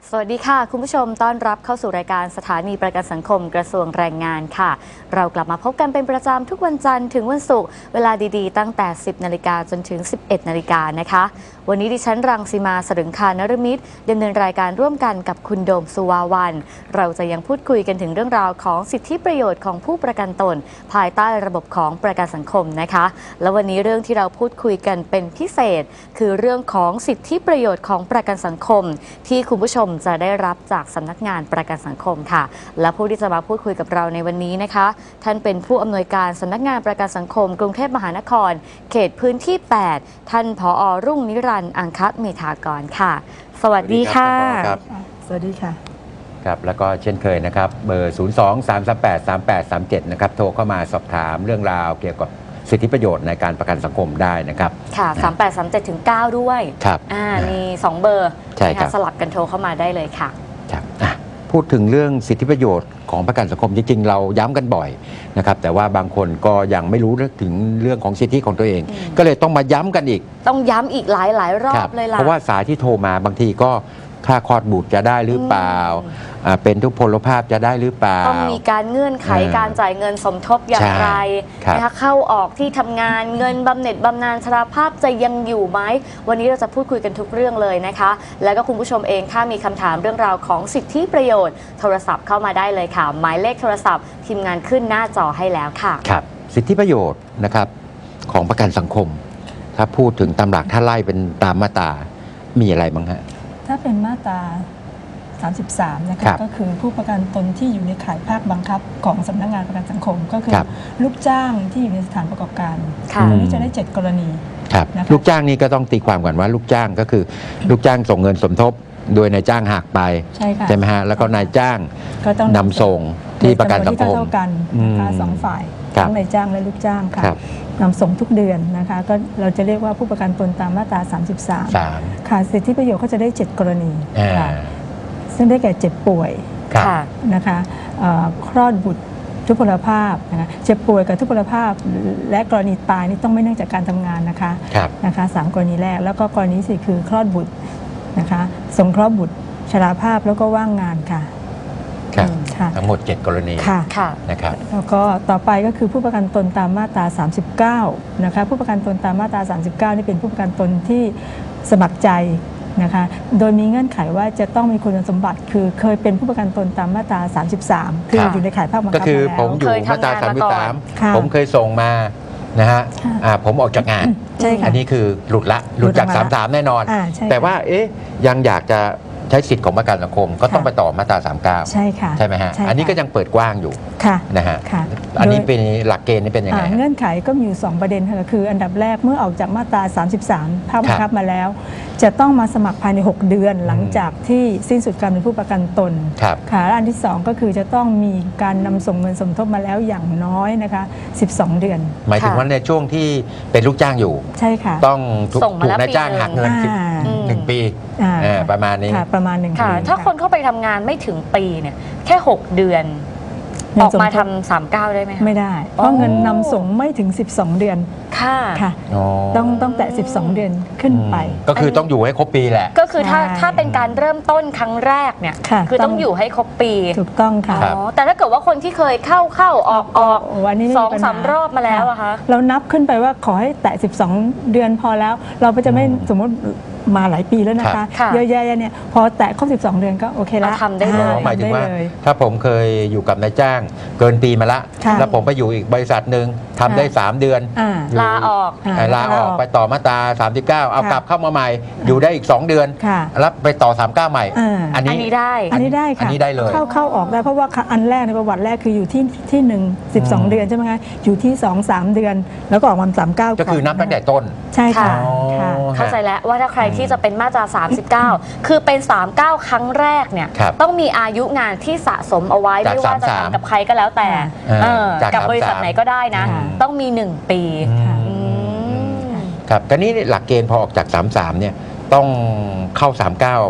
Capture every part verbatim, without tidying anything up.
สวัสดีค่ะคุณผู้ชมต้อนรับเข้าสู่รายการสถานีประกันสังคมกระทรวงแรงงานค่ะเรากลับมาพบกันเป็นประจำทุกวันจันทร์ถึงวันศุกร์เวลาดีๆตั้งแต่สิบนาฬิกาจนถึงสิบเอ็ดนาฬิกานะคะวันนี้ดิฉันรังสีมาสรึงคานรมิตรดำเนินรายการร่วมกันกับคุณโดมสุวาวันเราจะยังพูดคุยกันถึงเรื่องราวของสิทธิประโยชน์ของผู้ประกันตนภายใต้ระบบของประกันสังคมนะคะและวันนี้เรื่องที่เราพูดคุยกันเป็นพิเศษคือเรื่องของสิทธิประโยชน์ของประกันสังคมที่คุณผู้ชมจะได้รับจากสำนักงานประกันสังคมค่ะและผู้ที่จะมาพูดคุยกับเราในวันนี้นะคะท่านเป็นผู้อำนวยการสำนักงานประกันสังคมกรุงเทพมหานครเขตพื้นที่แปดท่านผอ.รุ่งนิรันดร์อังคเมธากรค่ะสวัสดีค่ะสวัสดีค่ะครับแล้วก็เช่นเคยนะครับเบอร์ ศูนย์ สอง สาม สาม แปด สาม แปด สาม เจ็ด นะครับโทรเข้ามาสอบถามเรื่องราวเกี่ยวกับสิทธิประโยชน์ในการประกันสังคมได้นะครับค่ะสามแปดสามเจ็ดถึงเก้าด้วยครับอ่ามีสองเบอร์ใช่ครับสลับกันโทรเข้ามาได้เลยค่ะครับพูดถึงเรื่องสิทธิประโยชน์ของประกันสังคมจริงๆเราย้ำกันบ่อยนะครับแต่ว่าบางคนก็ยังไม่รู้ถึงเรื่องของสิทธิของตัวเองก็เลยต้องมาย้ำกันอีกต้องย้ำอีกหลายหลายรอบเลยล่ะเพราะว่าสายที่โทรมาบางทีก็ค่าคลอดบุตรจะได้หรือเปล่าเป็นทุพพลภาพจะได้หรือเปล่าต้องมีการเงื่อนไขการจ่ายเงินสมทบอย่างไรนะคะเข้าออกที่ทำงานเงินบำเหน็จบำนาญชราภาพจะยังอยู่ไหมวันนี้เราจะพูดคุยกันทุกเรื่องเลยนะคะแล้วก็คุณผู้ชมเองถ้ามีคำถามเรื่องราวของสิทธิประโยชน์โทรศัพท์เข้ามาได้เลยค่ะหมายเลขโทรศัพท์ทีมงานขึ้นหน้าจอให้แล้วค่ะครับสิทธิประโยชน์นะครับของประกันสังคมถ้าพูดถึงตามหลักถ้าไล่เป็นตามมาตรามีอะไรบ้างฮะถ้าเป็นมาตราสามสิบสามนะคะก็คือผู้ประกันตนที่อยู่ในข่ายภาคบังคับของสำนักงานประกันสังคมก็คือลูกจ้างที่อยู่ในสถานประกอบการอันนี้จะได้เจ็ดกรณีครับลูกจ้างนี่ก็ต้องตีความก่อนว่าลูกจ้างก็คือลูกจ้างส่งเงินสมทบโดยนายจ้างหักไปใช่ไหมฮะแล้วก็นายจ้างนำส่งที่ประกันสังคมเท่ากันนะคะสองฝ่ายทั้งนายจ้างและลูกจ้างค่ะนำส่งทุกเดือนนะคะก็เราจะเรียกว่าผู้ประกันตนตามมาตราสามสิบสามค่ะสิทธิประโยชน์ก็จะได้เจ็ดกรณีค่ะซึ่งได้แก่เจ็บป่วยนะคะคลอดบุตรทุพพลภาพนะคะเจ็บป่วยกับทุพพลภาพและกรณีตายนี่ต้องไม่เนื่องจากการทำงานนะคะนะคะสามกรณีแรกแล้วก็กรณีสี่คือคลอดบุตรนะคะสงเคราะห์บุตรชราภาพแล้วก็ว่างงานค่ะทั้งหมดเจ็ดกรณีนะครับแล้วก็ต่อไปก็คือผู้ประกันตนตามมาตราสามสิบเก้านะคะผู้ประกันตนตามมาตราสามสิบเก้านี่เป็นผู้ประกันตนที่สมัครใจนะคะโดยมีเงื่อนไขว่าจะต้องมีคุณสมบัติคือเคยเป็นผู้ประกันตนตามมาตราสามสิบสามคืออยู่ในข่ายภาคบังคับก็คือผมอยู่มาตราสามสิบสามผมเคยส่งมานะฮะผมออกจากงานอันนี้คือหลุดละหลุดจากสามสิบสามแน่นอนแต่ว่าเอ๊ยยังอยากจะใช้สิทธิ์ของประกันสังคมก็ต้องไปต่อมาตราสามสิบเก้าใช่ค่ะใช่ไหมฮะอันนี้ก็ยังเปิดกว้างอยู่นะฮะอันนี้เป็นหลักเกณฑ์นี่เป็นยังไงเงื่อนไขก็มีอยู่สองประเด็นค่ะคืออันดับแรกเมื่อออกจากมาตราสามสิบสามภาคบังคับมาแล้วจะต้องมาสมัครภายในหกเดือนหลังจากที่สิ้นสุดการเป็นผู้ประกันตนค่ะและอันที่สองก็คือจะต้องมีการนำส่งเงินสมทบมาแล้วอย่างน้อยนะคะสิบสองเดือนหมายถึงว่าในช่วงที่เป็นลูกจ้างอยู่ใช่ค่ะต้องถูกนายจ้างหักเงินหนึ่งปีประมาณนี้ประมาณหนึ่งปีถ้าคนเข้าไปทำงานไม่ถึงปีเนี่ยแค่หกเดือนออกมาทำสามสิบเก้าได้ไหมไม่ได้เพราะเงินนำส่งไม่ถึงสิบสองเดือนค่ะค่ะต้องต้องแต่สิบสองเดือนขึ้นไปก็คือต้องอยู่ให้ครบปีแหละก็คือถ้าถ้าเป็นการเริ่มต้นครั้งแรกเนี่ยคือต้องอยู่ให้ครบปีถูกต้องค่ะแต่ถ้าเกิดว่าคนที่เคยเข้าเข้าออกออกสองสามรอบมาแล้วอะคะเรานับขึ้นไปว่าขอให้แตะสิบสองเดือนพอแล้วเราก็จะไม่สมมติมาหลายปีแล้วนะคะเยอะแยะเนี่ยพอแตะครบสิบสองเดือนก็โอเคแล้วทำได้เลยหมายถึงว่าถ้าผมเคยอยู่กับนายจ้างเกินปีมาละแล้วผมไปอยู่อีกบริษัทหนึ่งทำได้สามเดือนลาออกลาออกไปต่อมาตราสามสิบเก้าเอากลับเข้ามาใหม่อยู่ได้อีกสองเดือนแล้วไปต่อสามสิบเก้าใหม่อันนี้ได้อันนี้ได้ค่ะอันนี้ได้เลยเข้าเข้าออกได้เพราะว่าอันแรกในประวัติแรกคืออยู่ที่ที่หนึ่งสิบสองเดือนใช่ไหมคะอยู่ที่สองสามเดือนแล้วก็ออกมาสามสิบเก้าก็คือนับตั้งแต่ต้นใช่ค่ะเข้าใจแล้วว่าถ้าใครที่จะเป็นมาตราสามสิบเก้าคือเป็นสามสิบเก้าครั้งแรกเนี่ยต้องมีอายุงานที่สะสมเอาไว้ไม่ว่าจะทำกับใครก็แล้วแต่กับบริษัทไหนก็ได้นะต้องมีหนึ่งปีครับก็นี้หลักเกณฑ์พอออกจากสามสิบสามเนี่ยต้องเข้าสามสิบเก้า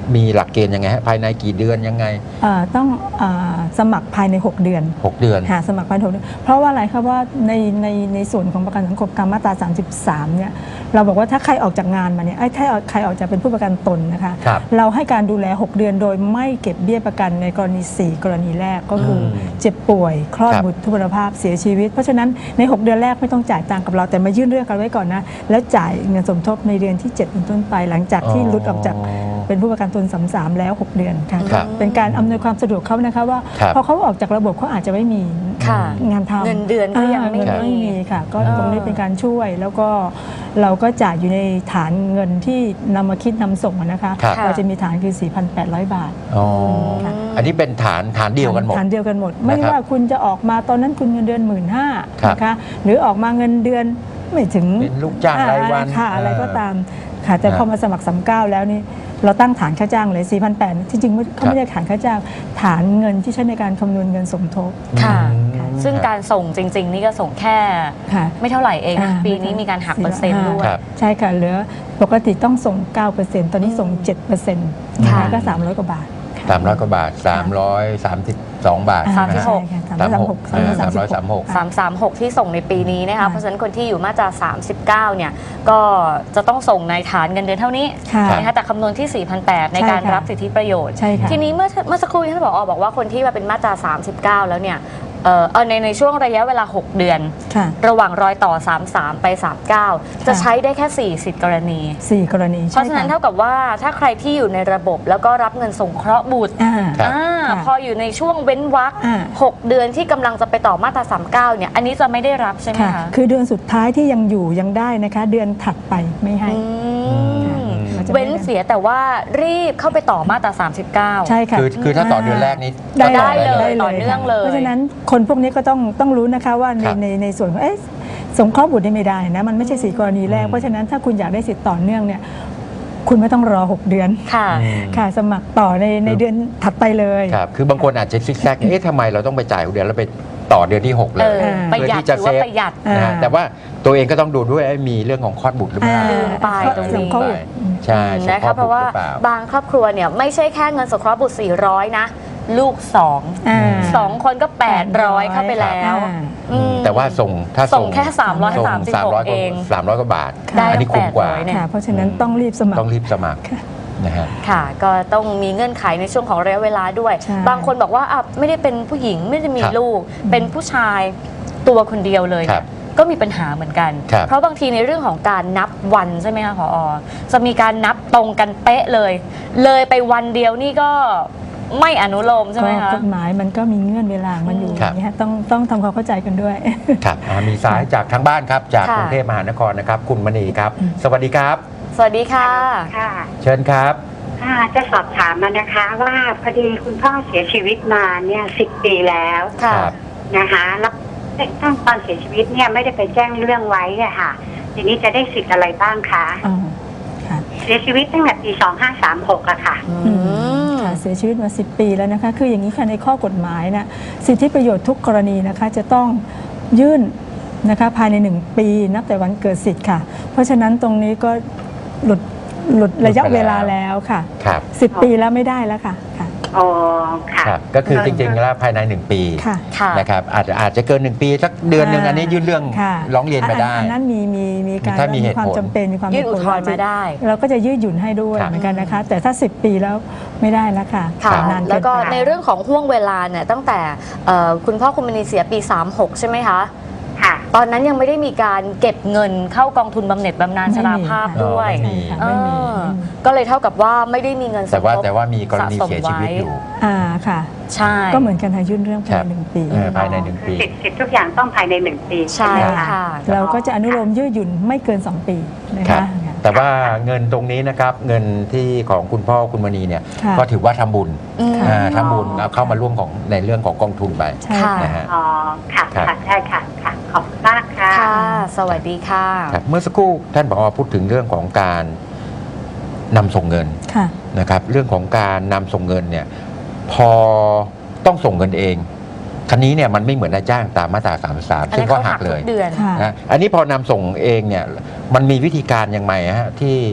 มีหลักเกณฑ์ยังไงฮะภายในกี่เดือนยังไงอ่าต้องอาสมัครภายใน หก เดือนหก เดือนหาสมัครภายในหกเดือนเพราะว่าอะไรครับว่าในในในส่วนของประกันสังคมตามมาตรา สามสิบสาม เนี่ยเราบอกว่าถ้าใครออกจากงานมาเนี่ยไอ้ถ้าใครออกจากเป็นผู้ประกันตนนะคะครับเราให้การดูแล หก เดือนโดยไม่เก็บเบี้ยประกันในกรณี สี่ กรณีแรกก็คืออมเจ็บป่วยคลอดครับบุตรทุพพลภาพเสียชีวิต เพราะฉะนั้นใน หก เดือนแรกไม่ต้องจ่ายตังค์กับเราแต่มายื่นเรื่องกันไว้ก่อนนะแล้วจ่ายเงินสมทบในเดือนที่เจ็ดเป็นต้นไปหลังจากที่หลุดออกจากเป็นผู้ประกันตนสามสามแล้ว หก เดือนค่ะครับเป็นการอำนวยความสะดวกเขานะคะว่าครับพอเขาออกจากระบบเขาอาจจะไม่มีค่ะงานทำเงินเดือนก็ยังไม่อ่าเงินมีไม่มีค่ะ ก็อ่าตรงนี้เป็นการช่วยแล้วก็เราก็จ่ายอยู่ในฐานเงินที่นำมาคิดนำส่งอะนะคะครับเราจะมีฐานคือ สี่พันแปดร้อย บาทอ๋อค่ะอันนี้เป็นฐานฐานเดียวกันหมดฐานเดียวกันหมด ไม่นะครับว่าคุณจะออกมาตอนนั้นคุณเงินเดือนหมื่นห้าครับนะคะหรือออกมาเงินเดือนไม่ถึงเป็นลูกจ้างรายวันค่ะอะไรเออก็ตามค่ะแต่ครับพอมาสมัครสามเก้าแล้วนี่เราตั้งฐานค่าจ้างเลย สี่พันแปดร้อย ที่จริงไม่เขาไม่ได้ฐานค่าจ้างฐานเงินที่ใช้ในการคำนวณเงินสมทบค่ะอืมซึ่งการส่งจริง ๆ นี่ก็ส่งแค่ค่ะไม่เท่าไหร่เองอ่าปีนี้มีการหักเปอร์เซ็นต์ด้วยครับใช่ค่ะเหลือปกติต้องส่ง เก้าเปอร์เซ็นต์ ตอนนี้ส่ง เจ็ดเปอร์เซ็นต์ค่ะก็ สามร้อย กว่าบาทสามร้อยกว่าบาทสามร้อยสามสิบสองบาทสามสิบหกสามร้อยสามสิบหกสามร้อยสามสิบหกสามสามหกที่ส่งในปีนี้นะคะค่ะเพราะฉะนั้นคนที่อยู่มาตราสามสิบเก้าเนี่ยก็จะต้องส่งในฐานเงินเดือนเท่านี้ค่ะนะคะแต่คำนวณที่ สี่พันแปดร้อย ในการใช่ค่ะรับสิทธิประโยชน์ใช่ค่ะทีนี้เมื่อเมื่อสักครู่ที่ท่านผอบอกว่าคนที่มาเป็นมาตราสามสิบเก้าแล้วเนี่ยเอ่อเอาในในช่วงระยะเวลา หก เดือนค่ะระหว่างรอยต่อ สามสิบสาม ไป สามสิบเก้า จะใช้ได้แค่ สี่ สิทธิกรณีสี่กรณีเพราะฉะนั้นใช่เท่ากับว่าถ้าใครที่อยู่ในระบบแล้วก็รับเงินสงเคราะห์บุตรอ่าครับอ่าค่ะพออยู่ในช่วงเว้นวรรคอ่าหกเดือนที่กำลังจะไปต่อมาตราสามสิบเก้าเนี่ยอันนี้จะไม่ได้รับใช่ไหมค่ะคะคือเดือนสุดท้ายที่ยังอยู่ยังได้นะคะ เดือนถัดไปไม่ให้อืมเราจะไม่ได้เว้นเสียแต่ว่ารีบเข้าไปต่อมาตราสามสิบเก้าใช่ค่ะคือคือถ้าต่อเดือนแรกนี้ได้ก็ต่อได้เลยได้ต่อเนื่องค่ะเลยเพราะฉะนั้นคนพวกนี้ก็ต้องต้องรู้นะคะว่าในครับในในส่วนของเอ๊ะสงเคราะห์บุตรนี่ไม่ได้นะมันไม่ใช่สี่กรณีแรกอืมเพราะฉะนั้นถ้าคุณอยากได้สิทธิ์ต่อเนื่องเนี่ยคุณไม่ต้องรอ หก เดือนค่ะอืมค่ะสมัครต่อในในเดือนถัดไปเลยครับ คือบางคนอาจจะซิกแซก เอ๊ะทำไมเราต้องไปจ่ายหกเดือนแล้วไปต่อเดือนที่ หก เลเอย อ ประหยัดเพื่อที่จะถือว่าเซฟประหยัดอ่านะฮะแต่ว่าตัวเองก็ต้องดูด้วยไอ้มีเรื่องของคลอดบุตรหรือเปล่าอ่าลืมไปตรงนี้สงเคราะห์บุตรใช่สงนะเคราะคะห์เพบุตราะรว่าหรือเปล่าบางครอบครัวเนี่ยไม่ใช่แค่เงินสงเคราะห์บุตร สี่ร้อย นะ ลูกสองอ่าสองคนก็ แปดร้อย เข้าไปแล้วอ่าอืมแต่ว่าส่งถ้าส่งแค่สามร้อยส่งสามสิบหกสามร้อยกว่าเองสามร้อยกว่าบาทได้อันนี้คุ้มกว่าแปดร้อยเนี่ยค่ะ เพราะฉะนั้นต้องรีบสมัครต้องรีบสมัครค่ะนะฮะค่ะ ก็ต้องมีเงื่อนไขในช่วงของระยะเวลาด้วยใช่บางคนบอกว่าอ่ะไม่ได้เป็นผู้หญิงไม่ได้มีครับลูก เป็นผู้ชายตัวคนเดียวเลยครับก็มีปัญหาเหมือนกันครับเพราะบางทีในเรื่องของการนับวันใช่ไหมคะผอจะมีการนับตรงกันเป๊ะเลย เลยไปวันเดียวนี่ก็ไม่อนุโลมใช่ไหมก็คะกฎหมายมันก็มีเงื่อนเวลามันอยู่ครับอย่างนี้ฮะต้องต้องทำความเข้าใจกันด้วยครับอ่ามีสายจากทางบ้านครับ จากค่ะกรุงเทพมหานครนะครับ คุณมณีครับ สวัสดีครับสวัสดีค่ะค่ะเชิญครับค่ะจะสอบถามมานะคะว่าพอดีคุณพ่อเสียชีวิตมาเนี่ยสิบปีแล้วค่ะครับนะคะแล้วตั้งตอนเสียชีวิตเนี่ยไม่ได้ไปแจ้งเรื่องไว้อะค่ะ ทีนี้จะได้สิทธิ์อะไรบ้างคะอ๋อค่ะเสียชีวิตตั้งแต่ปีสองห้าสามหกอะค่ะอืมค่ะเสียชีวิตมาสิบปีแล้วนะคะ คืออย่างนี้ค่ะในข้อกฎหมายนะสิทธิประโยชน์ทุกกรณีนะคะจะต้องยื่นนะคะภายในหนึ่งปีนับแต่วันเกิดสิทธิ์ค่ะ เพราะฉะนั้นตรงนี้ก็หลุดหลุดระยะเวลาแล้วค่ะครับสิบปีแล้วไม่ได้แล้วค่ะค่ะอ๋อ ค่ะครับ ก็คือจริงๆแล้วภายในหนึ่งปีค่ะค่ะนะครับอาจจะอาจจะเกินหนึ่งปีสักเดือนหนึ่งอันนี้ยื่นเรื่องค่ะร้องเรียนไปได้อันนั้นมีมีมีการถ้ามีเหตุความผลจำเป็นมีความยื่นอุทธรณ์จำเป็มาได้เราก็จะยืดหยุ่นให้ด้วยครับเหมือนกันนะคะ แต่ถ้าสิบปีแล้วไม่ได้แล้วค่ะค่ะนานเนไปแล้วก็ในเรื่องของห่วงเวลาเนี่ยตั้งแต่เอ่อคุณพ่อคุณมณีเสียปี สามสิบหก ใช่ไหมคะค่ะตอนนั้นยังไม่ได้มีการเก็บเงินเข้ากองทุนบำเหน็จบำนาญชราภาพไม่มีด้วยไม่มีค่ะเอไม่มีอไม่มีก็เลยเท่ากับว่าไม่ได้มีเงินสแต่มว่าทบแต่ว่ามีกรณีสะสมเสียชีวิตไว้อยู่อ่าค่ะใช่ก็เหมือนกันค่ะยื่นเรื่องภายครัในบหนึ่งปีเออภายในหนึ่งปีสิทธิ์สิทธิ์ทุกอย่างต้องภายในหนึ่งปีใช่ไหมคะค่ะเราก็จะอนุโลมยืดหยุ่นไม่เกินสองปีนะครัคะบ แต่ว่าเงินตรงนี้นะครับ เงินที่ของคุณพ่อคุณมณีเนี่ยค่ะก็ถือว่าทำบุญอืมอ่าทำบุญเอาเข้ามาร่วมของในเรื่องของกองทุนไปใช่ค่ะนะฮะอ๋อ ค่ะครับค่ะใช่ค่ะ ค่ะ ขอบคุณมากค่ะค่ะ สวัสดีค่ะครับเมื่อสักครู่ท่านผอพูดถึงเรื่องของการนำส่งเงินค่ะนะครับ เรื่องของการนำส่งเงินเนี่ยพอต้องส่งเงินเองคันนี้เนี่ยมันไม่เหมือนนายจ้างตามมาตราสามสิบสามอันซึ่นั้งนก็เขาหัหักกเลทุยกเดือนค่ะนะอันนี้พอนำส่งเองเนี่ยมันมีวิธีการยังไงฮะที่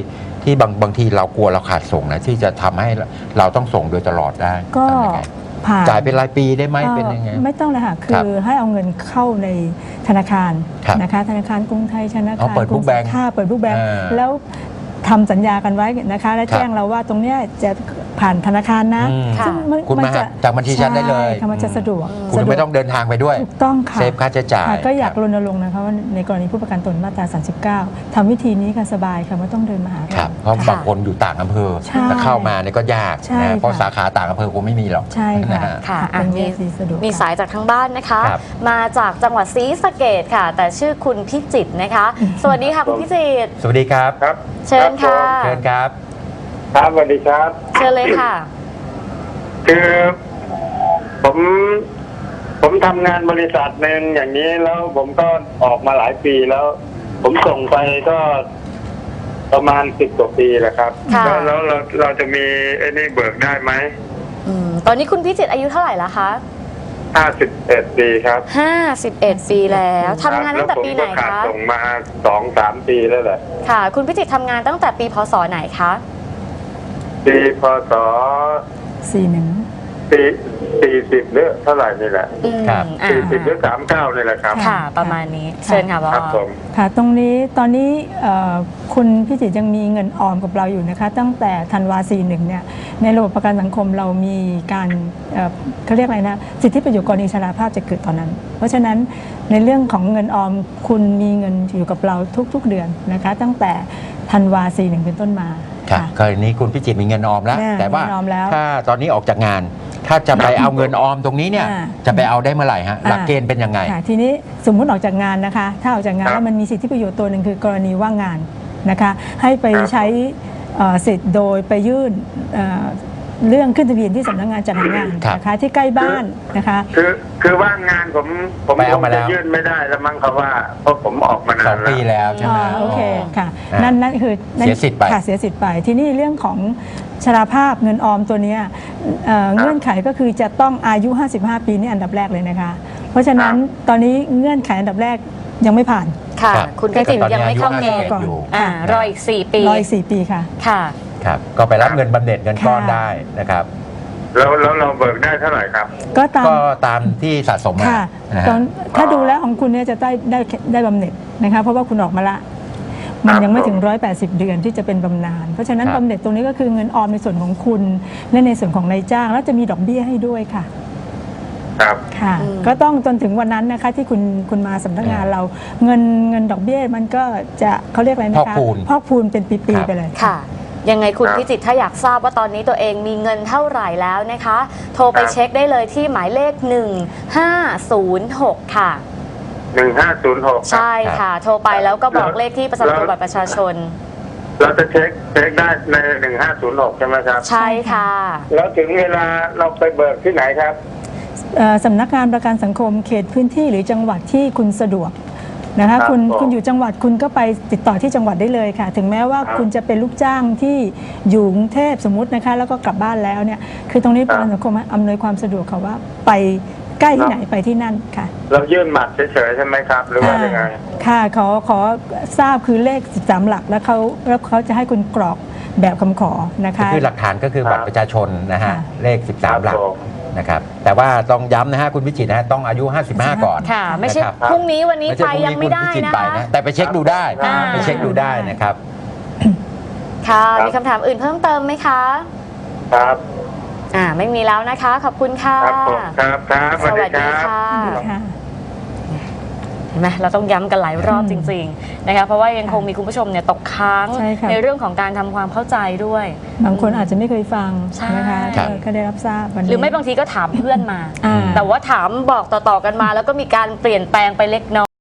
ที่บางบางทีเรากลัวเราขาดส่งนะที่จะทำให้เราต้องส่งโดยตลอดได้ก็ทำยังไงผ่านจ่ายเป็นรายปีได้ไหมเป็นยังไงไม่ต้องเลยค่ะครัคืบอให้เอาเงินเข้าในธนาคารครับนะคะธนาคารกรุงไทยธนาเอาคารเปิดกรุงบุ๊กแบงค์ค่าเปิดบุ๊กแบงค์อ่าแล้วทำสัญญากันไว้นะคะ และครับแจ้งเราว่าตรงเนี้ยจะผ่านธนาคารนะอืมค่ะซึ่งนคุณมาจะจากบัญชีฉันได้เลยใช่ค่ะมันจะสะดวกคุณสะดวกไม่ต้องเดินทางไปด้วยถูกต้องค่ะเซฟค่าใช้จ่ายค่ะก็อยากครับรณรงค์นะคะว่าในกรณีผู้ประกันตนมาตรา สามสิบเก้า ทำวิธีนี้ค่ะสบายค่ะไม่ต้องเดินมาหาครัเราบเพราะค่ะบางคนอยู่ต่างอำเภอใช่จะเข้ามาเนี่ยก็ยากใช่นะเพราะค่ะสาขาต่างอำเภอคงไม่มีหรอกใช่นะค่ะฮะค่ะเป็อ่ะนมีวิธีสะดวกมีค่ะสายจากทางบ้านนะคะครับมาจากจังหวัดศรีสะเกษค่ะ แต่ชื่อคุณพิจิตรนะคะ สวัสดีค่ะคุณพิจิตรสวัสดีครับครับเชิญค่ะเชิญครับครับสวัสดีครับเชิญเลยค่ะคือผมผมทำงานบริษัทหนึ่งอย่างนี้แล้วผมก็ออกมาหลายปีแล้ว ผมส่งไปก็ประมาณสิบกว่าปีแหละครับค่ะแล้วแล้วเราเราจะมีไอ้นี่เบิกได้ไหมอืมตอนนี้คุณพิจิตรอายุเท่าไหร่แล้วคะห้าสิบเอ็ดปีครับห้าสิบเอ็ดปีแล้วทำงานตั้งแต่ปีไหนล้วผมก็ขาดคะส่งมาสองสามปีแล้วแหละค่ะ คุณพิจิตรทำงานตั้งแต่ปีพศไหนคะปีพศสี่หนึ่งปีสี่สิบหรือเท่าไหร่นี่แหละอืมครับอ่าสี่สิบหรือสามเก้านี่แหละครับค่ะ ประมาณนี้ เชิญค่ะพ่อครับผมค่ะตรงนี้ตอนนี้เอ่อคุณพิจิตรยังมีเงินออมกับเราอยู่นะคะ ตั้งแต่ธันวาสี่หนึ่งเนี่ยในระบบประกันสังคมเรามีการเอ่อเขาเรียกอะไรนะสิทธิประโยชน์กรณีชราภาพจะเกิดตอนนั้น เพราะฉะนั้นในเรื่องของเงินออมคุณมีเงินอยู่กับเราทุกๆเดือนนะคะ ตั้งแต่ธันวาสี่หนึ่งเป็นต้นมาครับค่ะกรณีคุณพิจิตรมีเงินออมแล้วอ่าแต่ว่าเงินออมแล้วถ้าตอนนี้ออกจากงาน ถ้าจะไปเอาเงินออมตรงนี้เนี่ยอ่าจะไปเอาได้เมื่อไหร่ฮะหลักเกณฑ์เป็นยังไงค่ะทีนี้สมมุติออกจากงานนะคะ ถ้าออกจากงานครับแล้วมันมีสิทธิประโยชน์ตัวหนึ่งคือกรณีว่างงานนะคะ ให้ไปครับใช้เอ่อสิทธิ์โดยไปยื่นเอ่อเรื่องขึ้นทะเบียนที่สำนักงานจัดหางานครับนะคะที่ใกล้บ้านนะคะคือคือว่างงานผมผมไปเอาคงมาแล้จะวยื่นไม่ได้แล้วมั้งครับว่าเพราะผมออกมาสนาอน งแล้ปีวแล้วใช่ไหมอ่าโอเคค่ะอ่านั่นั่นนั่นคือนั่นเสียสิทธิ์ไปค่ะเสียสิทธิ์ไป ที่นี่เรื่องของชราภาพเงินออมตัวเนี้ยเอ่อเงื่อนไขก็คือจะต้องอายุ ห้าสิบห้า ปีนี่อันดับแรกเลยนะคะ เพราะฉะนั้นตอนนี้เงื่อนไขอันดับแรกยังไม่ผ่านค่ะรับคุณพิจิตรยังไม่เข้าเกณฑ์ตอนนี้อายุห้าสิบเอ็ดอยู่อ่ารออีกสี่ปีรออีกสี่ปีค่ะค่ะครับก็ไปรับเงินบำเหน็จเงินก้อนค่ะได้นะครับแล้วแล้วเราเบิกได้เท่าไหร่ครับก็ตามก็ตามที่สะสมมาค่ะนะตอฮะนถ้าดูแล้วของคุณเนี่ยจะได้ได้ได้บำเหน็จนะคะเพราะว่าคุณออกมาละ มันยังไม่ถึง หนึ่งร้อยแปดสิบ เดือนที่จะเป็นบำนาญเพราะฉะนั้นครับบำเหน็จตรงนี้ก็คือเงินออมในส่วนของคุณ และในส่วนของนายจ้าง แล้วจะมีดอกเบี้ยให้ด้วยค่ะครับค่ะอืมก็ต้องจนถึงวันนั้นนะคะที่คุณคุณมาสำนักงานเรา เงินเงินดอกเบี้ยมันก็จะเขาเรียกอะไรนะคะพอกพูนพอกพูนเป็นปีครัๆบไปเลยค่ะ ยังไงคุณครับพิจิตรถ้าอยากทราบว่าตอนนี้ตัวเองมีเงินเท่าไหร่แล้วนะคะ โทรไปครับเช็คได้เลยที่หมายเลข หนึ่งห้าศูนย์หก ค่ะหนึ่งห้าศูนย์หกใช่ค่ะ โทรไปแล้วก็บอกแล้วเลขที่ประจำตัวบัตรประชาชนเราจะเช็คเช็คได้ในหนึ่งห้าศูนย์หกใช่ไหมครับใช่ค่ะแล้วถึงเวลาเราไปเบิกที่ไหนครับเอ่อสำนักงานประกันสังคมเขตพื้นที่หรือจังหวัดที่คุณสะดวกนะคะครับคุณผมคุณอยู่จังหวัดคุณก็ไปติดต่อที่จังหวัดได้เลยค่ะ ถึงแม้ว่าครับคุณจะเป็นลูกจ้างที่อยู่กรุงเทพสมมตินะคะแล้วก็กลับบ้านแล้วเนี่ยคือตรงนี้ประกันสังคมอำนวยความสะดวกค่ะว่าไปใกล้ที่ไหนไปที่นั่นค่ะเรายื่นหมัดเฉยๆใช่ไหมครับ หรือว่ายังไงค่ะขอขอทราบคือเลขสิบสามหลักแล้วเขาแล้วเขาจะให้คุณกรอกแบบคำขอนะก็คะคือหลักฐานก็คือครับบัตรประชาชนนะฮะค่ะเลข สิบสาม หลักผมนะครับแต่ว่าต้องย้ำนะฮะคุณวิจิตรนะฮะต้องอายุ ห้าสิบห้า ก่อนค่ะ ไม่ใช่นะครับพรุ่งนี้วันนี้ไม่ใช่ไปพรุ่ยังไม่ได้คุณพิจิตรนะไปคะแต่ไปเช็คดูได้อ่าไปเช็คดูได้นะครับค่ะครับมีคำถามอื่นเพิ่มเติมไหมคะครับอ่า ไม่มีแล้วนะคะ ขอบคุณค่ะครับผมครับครับสวัสดีรับค่ะค่ะเห็นไหมเราต้องย้ำกันหลายรอบจริงๆนะคะเพราะว่ายังคงมีคุณผู้ชมเนี่ยตกค้างใช่ค่ะในเรื่องของการทำความเข้าใจด้วยบางคนอาจจะไม่เคยฟังใช่นะคะครับก็ได้รับทราบวันนี้หรือไม่บางทีก็ถามเพื่อนมาอ่าแต่ว่าถามบอกต่อๆกันมา แล้วก็มีการเปลี่ยนแปลงไปเล็กน้อย